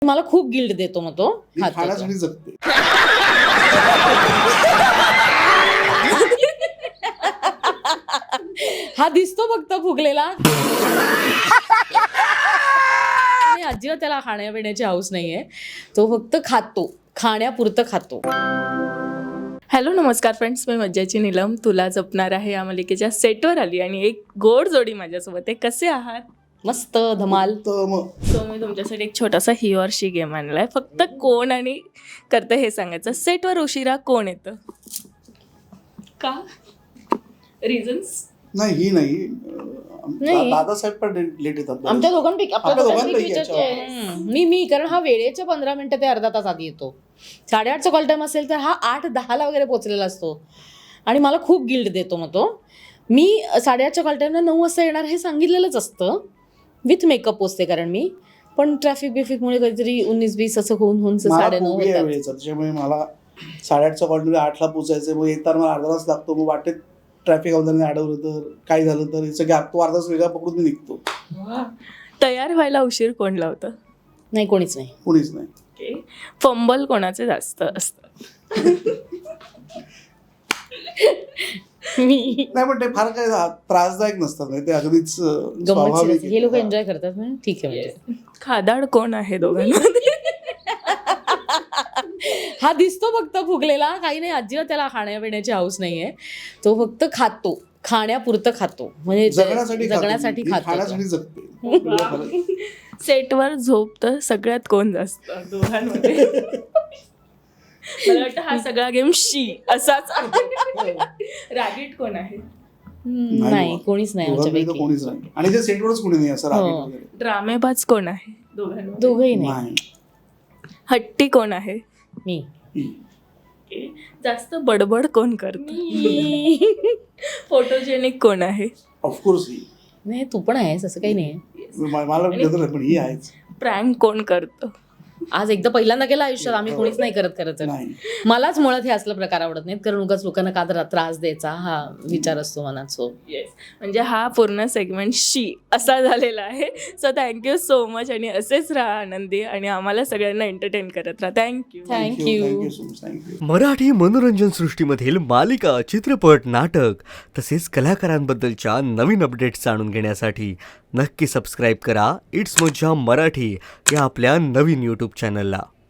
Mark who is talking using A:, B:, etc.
A: मला खूप गिल्ट देतो मग तो
B: खाण्यासाठी जगते.
A: हा दिसतो फक्त फुगलेला. अजिबात त्याला खाण्यापिण्याची हौस नाहीये. तो फक्त खातो, खाण्यापुरतं खातो.
C: हॅलो नमस्कार फ्रेंड्स, मी मज्जाची नीलम तुला जपणार आहे या मालिकेच्या सेटवर आली आणि एक गोड जोडी माझ्यासोबत आहे. कसे आहात?
A: मस्त धमाल.
C: सो मी तुमच्यासाठी एक छोटासा ही ऑर शी गेम आणलाय. फक्त कोण आणि करतं हे सांगायचं. सेटवर उशिरा कोण येतं? का? रिझन्स?
B: नाही ही नाही. दादासाहेब पण लेट येतात.
A: आमच्या दोघांपैकी
B: आपल्या दोघांपैकी
A: मी कारण हा वेळेच्या 15 मिनिटं ते अर्धा तास आधी येतो. 8:30चा कॉल टाइम असेल तर हा 8:10 वगैरे पोहोचलेला असतो आणि मला खूप गिल्ट देतो मग तो. मी 8:30च्या कॉल टाइमला 9 वाजता येणार हे सांगितलेलंच असतं. विथ मेकअप पोचते कारण मी, पण ट्रॅफिक बिफिकमुळे कधीतरी 19-20 असं होऊन 9:30 होतात.
B: त्याच्यामुळे मला 8:30चा कॉल टाइम 8ला पोचायचं. मग येताना मला अर्धा तास लागतो. मग वाटेत ट्रॅफिक अवधाने अडवलं तर काय झालं तर याचं गॅप तो अर्धा तास वेगळा पकडून मी निघतो.
C: तयार व्हायला उशीर कोण लावतं?
A: नाही, कोणीच नाही.
B: कोणीच नाही.
C: फंबल कोणाचे जास्त असतं?
A: मी
B: नाही पण ते फार काय त्रासदायक नसतात. ते अगदीच
A: गंमत. हे लोक एन्जॉय करतात म्हणून ठीक आहे. म्हणजे
C: खादाड कोण आहे दोघांमध्ये?
A: हा दिसतो फक्त फुगलेला. काही नाही, अजिबात त्याला खाण्यापिण्याची हौस नाहीये. तो फक्त खातो, खाण्यापुरतं खातो. म्हणजे जगण्यासाठी
B: खाण्यासाठी जगते.
C: सेटवर झोप तर सगळ्यात कोण जास्त दोघांमध्ये? मला वाटतं हा सगळा गेम शी असाच आहे. रागीट कोण आहे?
A: नाही, कोणीच नाही आमच्यापैकी.
B: कोणीच नाही. आणि जे सेटवरच कोणी नाही असं रागीट वगैरे.
C: ड्रामेबाज कोण आहे दोघांमध्ये?
A: दोघंही नाही.
C: हट्टी कोण आहे?
A: मी.
C: जास्त बडबड कोण करत? फोटोजेनिक कोण आहे?
B: ऑफकोर्स
A: नाही, तू पण आहेस, असं काही नाही.
B: मला पण ही आहेच.
C: प्रँक कोण करतं?
A: आज एकदा पहिल्यांदा केला आयुष्यात. आम्ही कोणीच नाही करत खरं. मलाच मुळात हे असलं प्रकार आवडत नाहीत, कारण उगाच लोकांना का त्रास द्यायचा हा विचार असतो मनात. सो
C: येस, म्हणजे हा पूर्ण सेगमेंट शी असा झालेला आहे. सो थँक्यू सो मच आणि असेच राहा आनंदी आणि आम्हाला सगळ्यांना एंटरटेन करत राहा. थँक्यू.
A: थँक्यू.
D: मराठी मनोरंजन सृष्टीमधील मालिका, चित्रपट, नाटक तसेच कलाकारांबद्दलच्या नवीन अपडेट्स जाणून घेण्यासाठी नक्की सबस्क्राईब करा इट्स मज्जा मराठी या आपल्या नवीन यूट्यूब चॅनलला.